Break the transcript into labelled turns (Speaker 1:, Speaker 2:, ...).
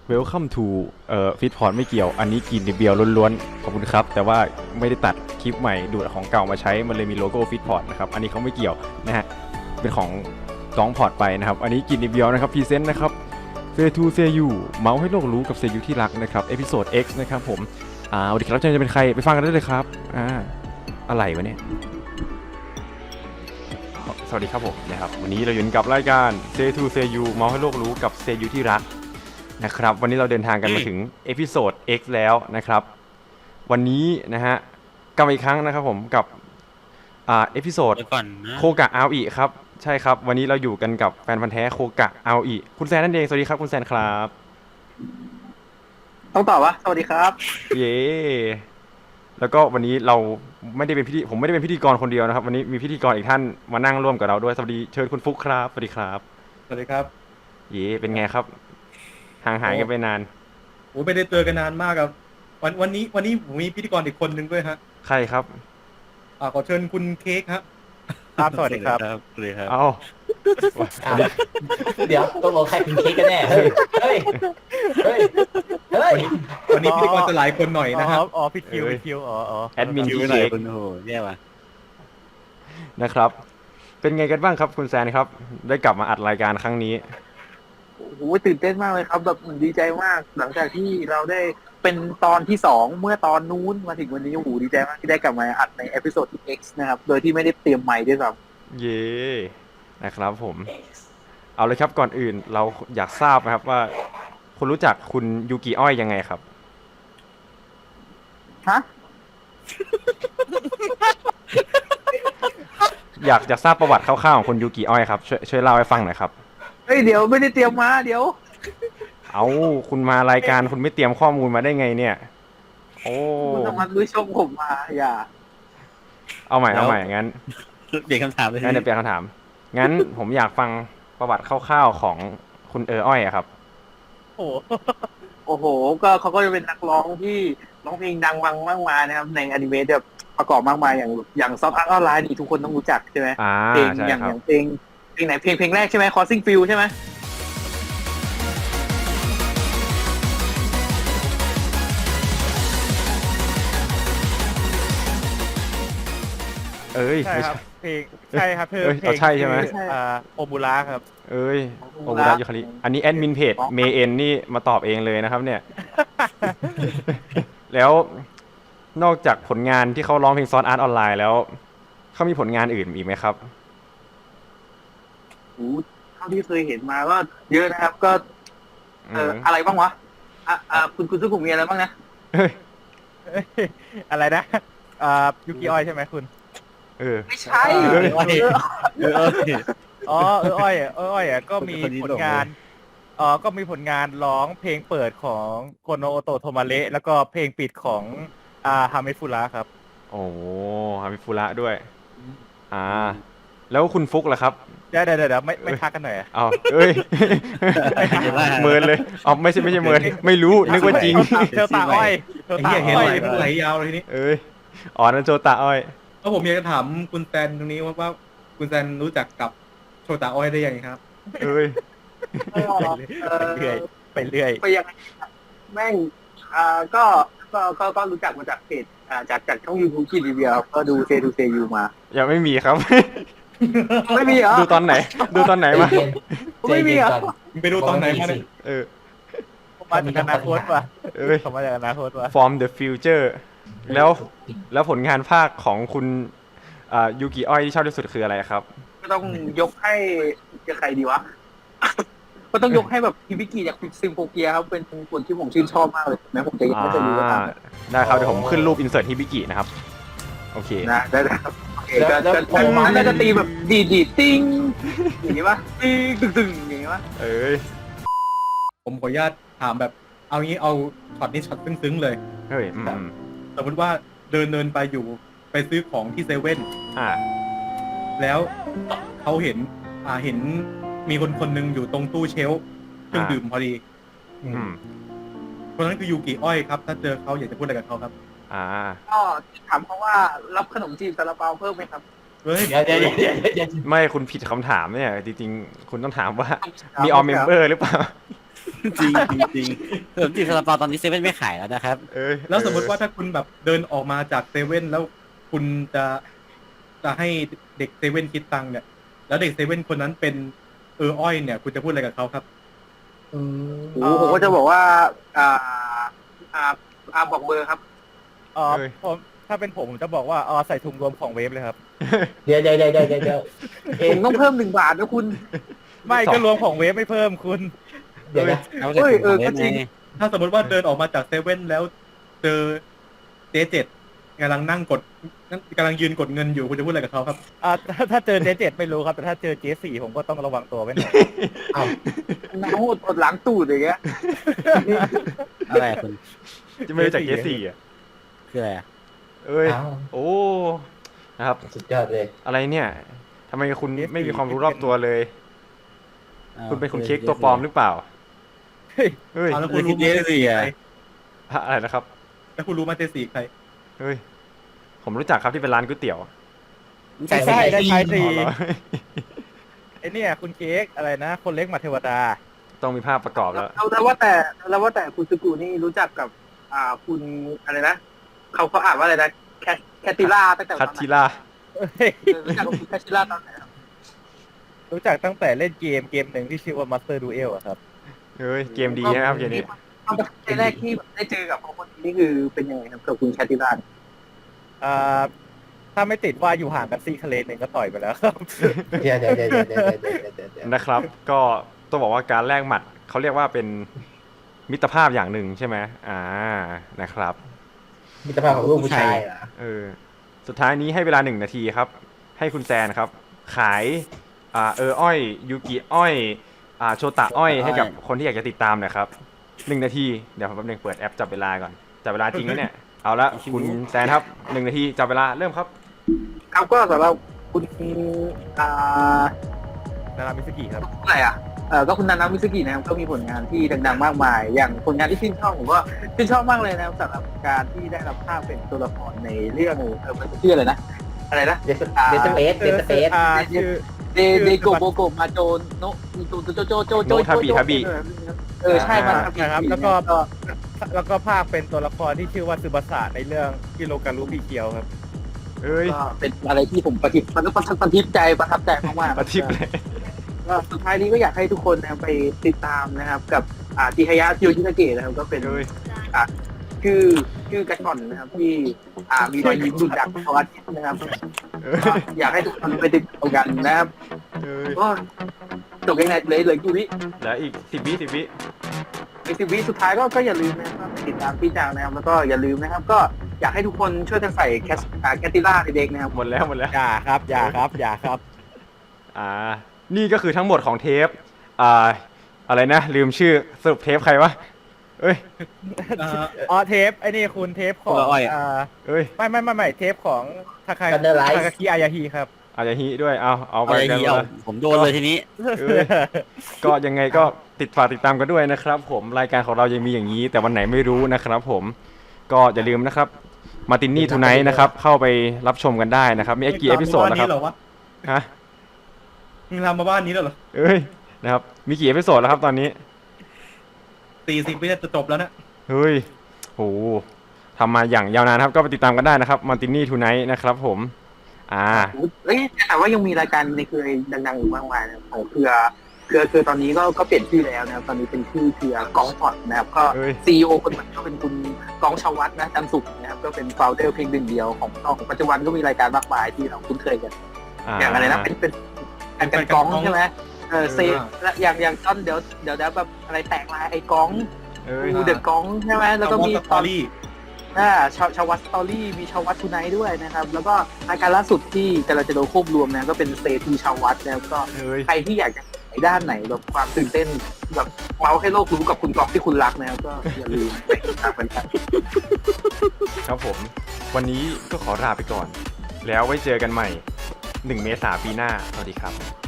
Speaker 1: Welcome to ฟิตพอร์ตไม่เกี่ยวอันนี้กินในเบียร์ล้วนๆขอบคุณครับแต่ว่าไม่ได้ตัดคลิปใหม่ดูดของเก่ามาใช้มันเลยมีโลโก้ฟิตพอร์ตนะครับอันนี้เขาไม่เกี่ยวนะฮะเป็นของกองพอร์ตไปนะครับอันนี้กินในเบียร์นะครับพรีเซนต์นะครับเซทูเซยูเมาส์ให้โลกรู้กับเซยูที่รักนะครับเอพิโซด X นะครับผมวันนี้ครับจะเป็นใครไปฟังกันได้เลยครับอะไรวะเนี่ยสวัสดีครับผมนะครับวันนี้เราอยู่กับรายการเซทูเซยูเมาส์ให้โลกรู้กับเซยูที่รักนะครับวันนี้เราเดินทางกันมาถึงเอพิโซด X แล้วนะครับวันนี้นะฮะกลับมาอีกครั้งนะครับผมกับเอพิโซดโคกะอาอิครับใช่ครับวันนี้เราอยู่กันกับแฟนพันธุ์แท้โคกะอาอิคุณแซนนั่นเองสวัสดีครับคุณแซนครับ
Speaker 2: ต้องตอบว่าสวัสดีครับ
Speaker 1: เย้แล้วก็วันนี้เราไม่ได้เป็นผมไม่ได้เป็นพิธีกรคนเดียวนะครับวันนี้มีพิธีกรอีกท่านมานั่งร่วมกับเราด้วยสวัสดีเชิญคุณฟุกครับสวัสดีครับ
Speaker 2: สวัสดีครับ
Speaker 1: เย้เป็นไงครับห่างหายกันไปนาน
Speaker 2: โอ้ไม่ได้เจอกันนานมากครับวันนี้ผมมีพิธีกรอีกคนหนึ่งด้วยฮะ
Speaker 1: ใครครับ
Speaker 2: ขอเชิญคุณเค้กครับครับสวัสดีครับ
Speaker 1: สวัสดีครับเอา
Speaker 3: เดี๋ยวต้องลงใครเป็นเค้กกันแน่เฮ้ย
Speaker 2: วันนี้พิธีกรจะหลายคนหน่อยนะครับ
Speaker 3: พี่คิว
Speaker 1: แอดมิน
Speaker 3: คิว
Speaker 1: เค้ก
Speaker 3: โอ้โหแย่ว่ะ
Speaker 1: นะครับเป็นไงกันบ้างครับคุณแซนครับได้กลับมาอัดรายการครั้งนี้
Speaker 4: โอ้โหตื่นเต้นมากเลยครับแบบดีใจมากหลังจากที่เราได้เป็นตอนที่2เมื่อตอนนู้นมาถึงวันนี้โอ้โหดีใจมากที่ได้กลับมาอัดในเอพิโซดที่ X นะครับโดยที่ไม่ได้เตรียมไมค์ด้วยซ้
Speaker 1: ำเย่นะครับผมเอาเลยครับก่อนอื่นเราอยากทราบนะครับว่าคุณรู้จักคุณยูกิอ้อยยังไงครับ
Speaker 4: ฮะ
Speaker 1: อยากจะทราบประวัติคร่าวๆของคุณยูกิอ้อยครับช่วยเล่าให้ฟังหน่อยครับ
Speaker 4: เฮ้ยเดี๋ยวไม่ได้เตรียมมาเดี๋ยว
Speaker 1: เอาคุณมารายการคุณไม่เตรียมข้อมูลมาได้ไงเนี่ยโอ้
Speaker 4: คุณทำมันรู้ชมผมมาอย่า
Speaker 1: เอาใหม่งั้น
Speaker 3: เปลี่ยนคำถามเลย
Speaker 1: งั้นเดี๋ยวเปลี่ยนคำถามงั้นผมอยากฟังประวัติคร่าวๆของคุณอ้อยครับ
Speaker 4: โอ้โหก็เขาก็จะเป็นนักร้องที่ร้องเพลงดังมากมายนะครับในอนิเมะแบบประกอบมากมายอย่างซอฟต์อาร์ตออนไลน์นี่ทุกคนต้องรู้จักใช่ไหมเพลงอย่างเพลงไหนเพลงแรกใช่ไหม Crossing Field ใช่ไหม
Speaker 2: ใช่ครับเพลงใช่ครับเพลง
Speaker 1: ใช่ใช่ไหม
Speaker 2: โอมูระครับ
Speaker 1: โอมูระยูคาริอันนี้แอดมินเพจเมเอ็นนี่มาตอบเองเลยนะครับเนี่ยแล้วนอกจากผลงานที่เขาร้องเพลงซอสอาร์ตออนไลน์แล้วเขามีผลงานอื่นอีกไหมครับ
Speaker 4: เท่าที่เคยเห็นมาก็เยอะนะครับก็อะไรบ้างวะคุณซึ่งผมมีอะไรบ้างนะ
Speaker 2: อะไรนะยูกิอ้อยใช่ไหมคุณ
Speaker 4: ไม่ใช่
Speaker 2: อ้อยก็มีผลงานก็มีผลงานร้องเพลงเปิดของโกโนโอโตะโทมาเระแล้วก็เพลงปิดของฮาเมฟุระครับ
Speaker 1: โอ้ฮาเมฟุระด้วยแล้วคุณฟุกล่ะครับ
Speaker 2: เดี๋ยวไม่ทักกันหน่อย
Speaker 1: เอาเมินเลยไม่ใช่เมินไม่รู้นึกว่าจริง
Speaker 2: เธอตาอ้อยเห็นไหลยาวเลยนี่
Speaker 1: นั่นโจตาอ้อย
Speaker 2: แล้วผมอยากจะถามคุณแซนตรงนี้ว่าคุณแซนรู้จักกับโชตาอ้อยได้ยังไงครับไปเรื่อย
Speaker 4: ไปยังแม่งก็รู้จักมาจากเพจจากช่อง YouTube ที่รีวิวก็ดูเซยูมา
Speaker 1: ยังไม่มีครับ
Speaker 4: ไม่มีเหรอ
Speaker 1: ดูตอนไหนมา
Speaker 4: ไม่มีเหรอ
Speaker 2: ไปดูตอนไหนมาเนี่ยมาจากอนาคตว่ะมาจากอนาคตว่ะ
Speaker 1: From the future แล้วผลงานภาคของคุณยูกิอ้อยที่ชอบที่สุดคืออะไรครับ
Speaker 4: ก็ต้องยกให้จะใครดีวะก็ต้องยกให้แบบฮิบิกิจากซิมโฟเกียครับเป็นคนที่ผมชื่นชอบมากเลยแม้ผมจะยังไม่เคยรู้ว่า
Speaker 1: ได้ครับเดี๋ยวผมขึ้นรูปอินเสิร์ตฮิบิกินะครับโอเค
Speaker 4: นะได้ครับโอเคก็จะตีแบบดีติ้งอย่างนี้ป่ะติ้งตึงอย่างนี้ป่ะ
Speaker 2: ผมขออนุญาตถามแบบเอางี้เอาช็อตนี้ช็อตซึ้งๆเลยสมมติว่าเดินไปอยู่ไปซื้อของที่เซเว่นแล้วเขาเห็นมีคนนึงอยู่ตรงตู้เชลฟ์เครื่องดื่มพอดีคนนั้นคือยูกิอ้อยครับถ้าเจอเขาอยากจะพูดอะไรกับเขาครับ
Speaker 4: ก็ถามเขาว่ารับขนมจีบซาลาเปาเพิ่มไหมครับ
Speaker 3: เดี๋ยว
Speaker 1: ไม่คุณผิดคำถามเนี่ยจริงๆคุณต้องถามว่ามีออมเมมเบอร์หรือเปล่า
Speaker 3: จริงจริงขนมจีบซาลาเปาตอนนี้เซเว่นไม่ขายแล้วนะครับ
Speaker 2: แล้วสมมติว่าถ้าคุณแบบเดินออกมาจากเซเว่นแล้วคุณจะให้เด็กเซเว่นคิดตังค์เนี่ยแล้วเด็กเซเว่นคนนั้นเป็นอ้อยเนี่ยคุณจะพูดอะไรกับเขาครับ
Speaker 4: ผมก็จะบอกว่าบอกเบอร์ครับ
Speaker 5: ผมถ้าเป็นผมจะบอกว่าใส่ถุงรวมของเวฟเลยครับ
Speaker 6: เดี๋ยว
Speaker 4: ผมต้องเพิ่ม1 บาทนะคุณ
Speaker 5: ไม่ก็รวมของเวฟไม่เพิ่มคุณ
Speaker 6: เดี๋ยวนะ
Speaker 3: เอาแต่ถุงของเล่น
Speaker 4: ก็จริง
Speaker 3: ไง
Speaker 2: ถ้าสมมติว่าเดินออกมาจากเซเว่นแล้วเจอเจ๊เจ็ดกำลังกำลังยืนกดเงินอยู่คุณจะพูดอะไรกับเขาครับ
Speaker 5: ถ้าเจอJ7ไม่รู้ครับแต่ถ้าเจอJ4ผมก็ต้องระวังตัวไว้หน่อย
Speaker 6: เอา
Speaker 4: น้ำอดหลังตูดอย่างเงี้ย
Speaker 3: อะไรคุณ
Speaker 1: จะไม่รู้จักเจสี่อ่ะ
Speaker 3: คืออะไรอ่ะ
Speaker 1: เอ้ย
Speaker 6: เอา
Speaker 1: โอ้นะครับ
Speaker 6: สุดยอดเลย
Speaker 1: อะไรเนี่ยทำไมคุณไม่มีความรู้รอบตัวเลย คุณเป็นคุณเค้กตัวปลอมหรือเปล่าเฮ้ย
Speaker 2: เอาแล้วคุณรู้ไหม
Speaker 3: เจสี่อ่ะ
Speaker 1: อะไรนะครับ
Speaker 2: แล้วคุณรู้ไหมเจ๊สี่ใคร
Speaker 1: เฮ้ยผมรู้จักครับที่เป็นร้านก๋วยเตี๋ยว
Speaker 5: ใช่ได้ใช้สี
Speaker 1: อ๋อเหรอ
Speaker 5: ไอเนี่ยคุณเค้กอะไรนะ คนเล็กมาเทวดา
Speaker 1: ต้องมีภาพประกอบแล้ว
Speaker 4: แล้วว่าแต่คุณสกูนี่รู้จักกับคุณอะไรนะเขาอ่านว่าอะไรนะแคติล่าตั้งแต่ต
Speaker 1: คั
Speaker 4: อ
Speaker 1: ต
Speaker 4: นไหน
Speaker 1: ทิล่า
Speaker 4: รู้จักกับคุณแคติล่าตอนไหนครับ
Speaker 5: รู้จักตั้งแต่เล่นเกมหนึ่งที่ชื่อว่า Master Duel อะครับ
Speaker 1: เฮ้ยเกมดีนะครับเกมนี้
Speaker 4: ตอนแรกที่ได้เจอกับคนนี้นี่คือเป็นยังไงครับกับคุณแคติล่า
Speaker 5: ถ้าไม่ติดว่าอยู่ห่างกันซีคะเลนหนึ่งก็ต่อยไปแล้วครับ
Speaker 6: เดี๋ยว
Speaker 1: นะครับ ก็ต้องบอกว่าการแลกหมัดเขาเรียกว่าเป็นมิตรภาพอย่างหนึ่งใช่ไหมนะครับ
Speaker 6: มิตรภาพของลูกผู้ชายเหรอ
Speaker 1: สุดท้ายนี้ให้เวลา1 นาทีครับ ให้คุณแซนครับ ขายอ้อยยูกิอ้อยโชตะอ้อยให้กับคนที่อยากจะติดตามหนะครับ1 นาทีเดี๋ยวผมแป๊บนึงเปิดแอปจับเวลาก่อนจับเวลาจริงแล้วเนี่ยเอาละคุณแซนครับ1 นาทีจับเวลาเริ่มครับ
Speaker 4: ครับก็สำหรับคุณ
Speaker 5: นารามิสกิครับ
Speaker 4: อะไรก็คุณนานามิสกินะครับก็มีผลงานที่ดังๆมากมาย อย่างผลงานที่ชื่นชอบผมก็ชื่นชอบมากเลยนะครับสำหรับการที่ได้รับภาพเป็นตัวละครในเรื่องมันชื่ออะไรนะ
Speaker 6: เดสเปซ
Speaker 5: ชื่อ
Speaker 4: เดโกโบโกมาโจโนโจ
Speaker 1: ทาบิ
Speaker 4: ใช่มัน
Speaker 5: นะครับแล้วก็ภาคเป็นตัวละครที่ชื่อว่าซึบาสะในเรื่องฮิโรการุบิเคียวครับ
Speaker 1: เอ้ย
Speaker 4: ก็เป็นอะไรที่ผมประทับใจมากๆ
Speaker 1: ประทิบเลย
Speaker 4: ก็สุดท้ายนี้ก็อยากให้ทุกคนนะครับไปติดตามนะครับกับจิฮายะจิโยชินาเกะนะครับก็เป็นคือกระชอนนะครับที่มีรอยยิ้มดุดักของอาทิตย์นะครับก็อยากให้ทุกคนไปติดตามกันนะครับก็จบยังไงเลยกูนี่
Speaker 1: แล้วอีก10 วิ
Speaker 4: ใน10 วิสุดท้ายก็อย่าลืมนะครับไปติดตามพี่จางนะครับแล้วก็อย่าลืมนะครับก็อยากให้ทุกคนช่วยกันใส่แคตติล่าเด็กๆนะครับ
Speaker 1: หมดแล้ว
Speaker 5: อย่าครับ
Speaker 1: นี่ก็คือทั้งหมดของเทปอะไรนะลืมชื่อสรุปเทปใครวะเอ้ย
Speaker 5: เทปไอ้นี่คุณเทปของ
Speaker 1: เอ้ย
Speaker 5: ไม่เทปของทาคาคิอายาฮิครับ
Speaker 1: อาจจะฮีด้วยเอาไปกัน
Speaker 3: ผมโดนเลยทีนี้
Speaker 1: ก็ยังไงก็ฝากติดตามกันด้วยนะครับผมรายการของเรายังมีอย่างนี้แต่วันไหนไม่รู้นะครับผมก็อย่าลืมนะครับมาตินนี่ทูไนท์นะครับเข้าไปรับชมกันได้นะครับมีกี่เอพิโซดแล้วครับฮะ
Speaker 2: มึงทำมาบ้านนี้แล้วเหรอ
Speaker 1: เอ้ยนะครับมีกี่เอพิโซดแล้วครับตอนนี้
Speaker 2: 40 วิจะจบแล้วนะ
Speaker 1: เฮ้ยโหทำมาอย่างยาวนานครับก็ไปติดตามกันได้นะครับมาตินนี่ทูไนท์นะครับผม
Speaker 4: แต่ว่ายังมีรายการในเครือดังๆอยู่มากมายนะของเครือตอนนี้ก็เปลี่ยนชื่อแล้วนะครับตอนนี้เป็นชื่อเครือกองพอดนะครับก็ CEO คนใหม่ก็เป็นคุณกองชวัฒน์นะจันสุขนะครับก็เป็นโฟลเดอร์เพียงหนึ่งเดียวของปัจจุบันก็มีรายการมากมายที่เราคุ้นเคยกันอย่างอะไรนะเป็นกองใช่ไหมอย่างต้นเดี๋ยวแบบอะไรแตกลายไอ้กองดูเดอะกองใช่ไหมแล้วก็มี
Speaker 2: สตอรี่
Speaker 4: ชาววัดสตอรี่มีชาววัดทูไนท์ด้วยนะครับแล้วก็รายการล่าสุดที่เราจะโดนควบรวมนะก็เป็นเซทีชาววัดนะครับก็ใครที่อยากจะไปด้านไหนแบบความตื่นเต้นแบบเมาให้โลกรู้กับคุณกอล์ฟที่คุณรักนะครับก็อย่าลืมไปติดตามกัน
Speaker 1: ครับผมวันนี้ก็ขอลาไปก่อนแล้วไว้เจอกันใหม่1 เมษายนปีหน้าสวัสดีครับ